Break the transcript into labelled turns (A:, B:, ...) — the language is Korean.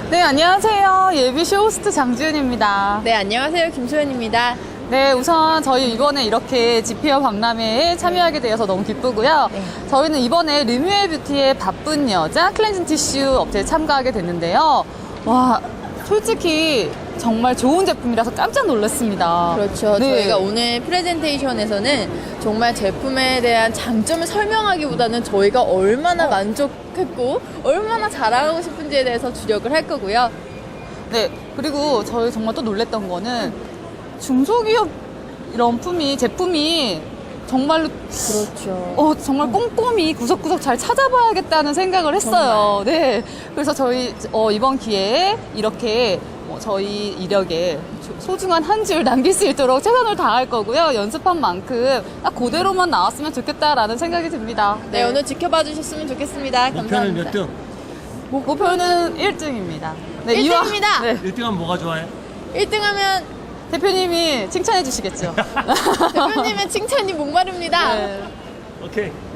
A: 네, 안녕하세요. 예비쇼 호스트 장지은입니다.
B: 네, 안녕하세요. 김소연입니다.
A: 네, 우선 저희 이번에 이렇게 지피어 박람회에 참여하게 되어서 너무 기쁘고요.
B: 네.
A: 저희는 이번에 르뮤엘 뷰티의 바쁜 여자 클렌징 티슈 업체에 참가하게 됐는데요. 와, 솔직히 정말 좋은 제품이라서 깜짝 놀랐습니다.
B: 그렇죠.
A: 네.
B: 저희가 오늘 프레젠테이션에서는 정말 제품에 대한 장점을 설명하기보다는 저희가 얼마나 만족했고 얼마나 잘하고 싶은지에 대해서 주력을 할 거고요.
A: 네, 그리고 저희 정말 또 놀랬던 거는 중소기업 이런 제품이 정말로
B: 그렇죠.
A: 정말 꼼꼼히 구석구석 잘 찾아봐야겠다는 생각을 했어요. 네. 그래서 저희 이번 기회에 이렇게 저희 이력에 소중한 한 줄 남길 수 있도록 최선을 다할 거고요. 연습한 만큼 딱 그대로만 나왔으면 좋겠다라는 생각이 듭니다.
B: 네, 오늘 지켜봐 주셨으면 좋겠습니다.
C: 목표는
B: 감사합니다.
C: 몇 등?
A: 목표는 1등입니다. 네,
B: 1등입니다.
A: 네.
C: 1등하면 뭐가 좋아해?
B: 1등 하면
A: 대표님이 칭찬해 주시겠죠.
B: 대표님의 칭찬이 목마릅니다.
A: 네.
C: 오케이.